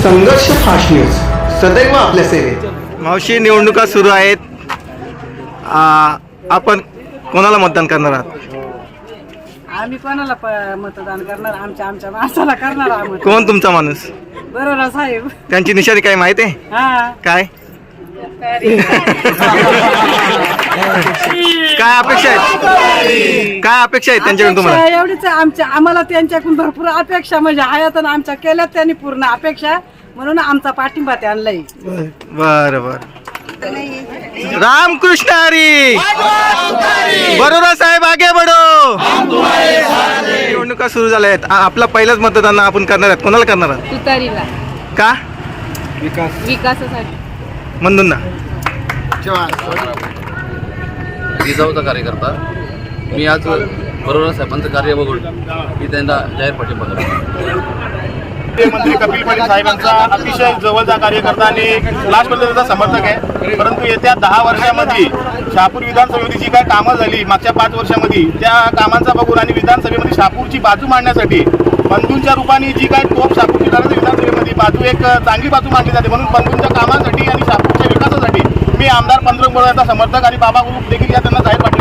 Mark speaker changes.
Speaker 1: संघर्ष fast news सदैव आपल्या सेवेत.
Speaker 2: मावशी, निवडणुका सुरू आहेत. आपण कोणाला मतदान करणार आहात?
Speaker 3: आम्ही कोणाला मतदान करणार? आमच्या माणसाला करणार आहोत.
Speaker 2: कोण तुमचा माणूस?
Speaker 3: बरोबर साहेब.
Speaker 2: त्यांची निशाणी काय माहिती आहे?
Speaker 3: हा,
Speaker 2: काय काय अपेक्षा आहेत? काय अपेक्षा आहेत त्यांच्याकडून तुम्हाला?
Speaker 3: एवढीच आम्हाला त्यांच्याकडून भरपूर अपेक्षा म्हणजे आहेत आणि आमच्या केल्यात त्यांनी पूर्ण अपेक्षा, म्हणून आमचा पाठिंबा त्यांनाही.
Speaker 2: बर बर. रामकृष्ण हरी. बरोबर साहेब, आगे बढो. निवडणुका सुरू झाल्या आहेत. आपला पहिलाच मतदान आपण करणार आहात. कोणाला करणार आहात?
Speaker 4: तुतारीला.
Speaker 2: का?
Speaker 4: विकासासाठी.
Speaker 2: म्हणून ना.
Speaker 5: जिजाऊचा कार्यकर्ता मी आज बरोबर साहेबांचं कार्य बघून मी त्यांना जाहीर पाठिंबा करतो.
Speaker 6: मंत्री कपिल पाटील साहेबांचा अतिशय जवळचा कार्यकर्ता आणि लास्टपर्यंतचा समर्थक आहे. परंतु येत्या 10 वर्षामध्ये शहापूर विधानसभेमध्ये जी काय कामं झाली मागच्या 5 वर्षामध्ये, त्या कामांचा बघून आणि विधानसभेमध्ये शहापूरची बाजू मांडण्यासाठी बंधूंच्या रूपाने जी काय तोप शहापूर विधानसभेमध्ये बाजू एक चांगली बाजू मांडली जाते, म्हणून बंधूंच्या कामासाठी आणि शहापूरच्या विकासासाठी मी आमदार पंतप्रधानांचा समर्थक आणि बाबा ग्रुप देखील या त्यांना जाहीर